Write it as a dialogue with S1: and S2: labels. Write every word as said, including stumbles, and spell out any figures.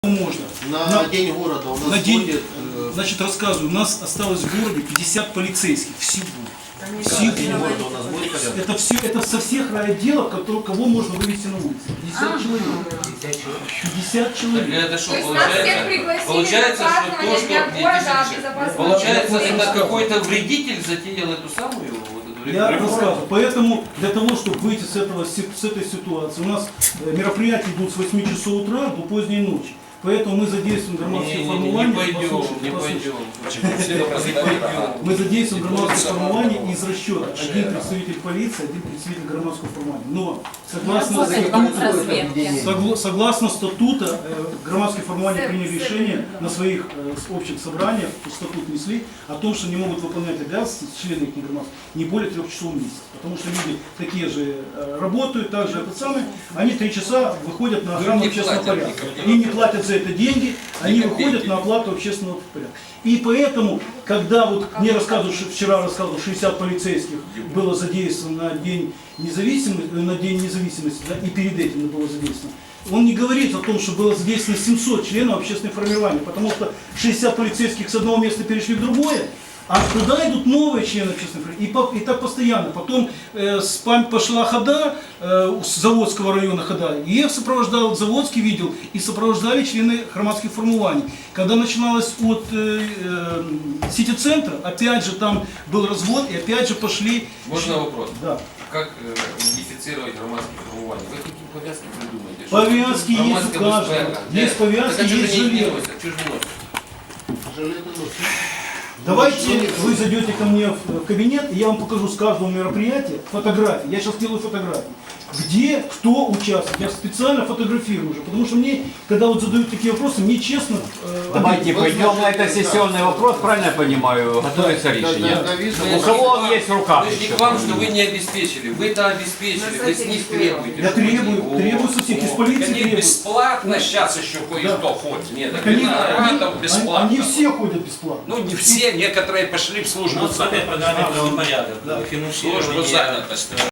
S1: Можно.
S2: На,
S1: на
S2: день города у нас
S1: на день,
S2: будет, э,
S1: значит, рассказываю, у нас осталось в городе пятьдесят полицейских всего.
S2: на
S1: Всего.
S2: день города у нас будет порядок.
S1: Это все, это со всех райотделов, которые, кого можно вывести на улицу. пятьдесят человек. пятьдесят человек.
S3: Это что,
S4: То есть нас всех
S3: получается,
S4: пригласили
S3: получается,
S4: на
S3: что то,
S4: празднование
S3: что
S4: Дня
S3: не,
S4: города,
S3: извините,
S4: безопасности.
S3: получается,
S4: Очень
S3: это
S4: хорошо.
S3: какой-то вредитель затеял эту самую вот эту
S1: Я
S3: реформу.
S1: рассказываю. Поэтому для того, чтобы выйти с, этого, с этой ситуации, у нас э, мероприятия идут с восьми часов утра до поздней ночи. Поэтому мы задействуем громадские
S3: Не, не,
S1: формирования.
S3: не пойдем,
S1: Послушайте,
S3: не
S1: послушайте.
S3: пойдем.
S1: Мы задействуем громадское формирование из расчета. Один представитель полиции, один представитель громадского формирования. Но согласно Согла- Согласно статута, э, громадские формирования приняли решение на своих э, с- общих собраниях, в статут внесли, о том, что не могут выполнять обязанности члены их громадских не более трех часов в месяц. Потому что люди такие же э, работают, также это самое, они три часа выходят на охрану
S3: не
S1: общественного
S3: платят
S1: порядка.
S3: никаких.
S1: И не платят за это деньги, они
S3: Никаких
S1: выходят
S3: денег.
S1: на оплату общественного порядка. И поэтому, когда вот мне рассказывают, что вчера рассказывал, шестьдесят полицейских было задействовано на день независимости, на день независимости, да, и перед этим было задействовано. Он не говорит о том, что было задействовано семьсот членов общественных формирований, потому что шестьдесят полицейских с одного места перешли в другое, а туда идут новые члены общественных формирований. И, по- и так постоянно. Потом э, с пам- пошла хода, э, с Заводского района хода, и я сопровождал, Заводский видел, и сопровождали члены громадских формирований. Когда начиналось от э, э, сити-центра, опять же там был развод, и опять же пошли...
S3: Можно вопрос?
S1: Да.
S3: Как э, модифицировать громадские формирования? Вы какие повязки придумаете?
S1: Повязки есть у
S3: Громадская
S1: каждого.
S3: безопасность.
S1: Есть повязки,
S3: Так а что
S1: есть
S3: же они не
S1: жилет.
S3: носят? Что же не носят?
S2: Жилеты носят.
S1: Давайте вы зайдете ко мне в кабинет, и я вам покажу с каждого мероприятия фотографии. Я сейчас делаю фотографии. Где, кто участвует. Я специально фотографирую уже, потому что мне, когда вот задают такие вопросы, мне честно... э,
S5: Давайте
S1: обидно.
S5: пойдем на это сессионный вопрос, правильно я понимаю, готовится решение.
S2: Да, да, да,
S3: Мы
S5: У
S3: же
S5: кого
S3: не
S5: он
S3: к
S5: есть в
S3: вам-
S5: руках
S3: Мы же не
S5: еще?
S3: к вам, что вы не обеспечили. Вы-то обеспечили, вы с них требуете.
S1: Я
S3: чтобы они-
S1: требую,
S3: О,
S1: требую со всех, из
S3: о.
S1: полиции
S6: Они
S1: требую.
S6: бесплатно сейчас еще кое-кто ходит. Нет,
S1: Так они,
S6: виноградов
S1: они-
S6: бесплатно.
S1: они все ходят бесплатно.
S6: Ну не все, некоторые пошли в службу занятости.
S7: программе правопорядок,
S1: Да.
S7: финансирование.
S6: Службу занятости.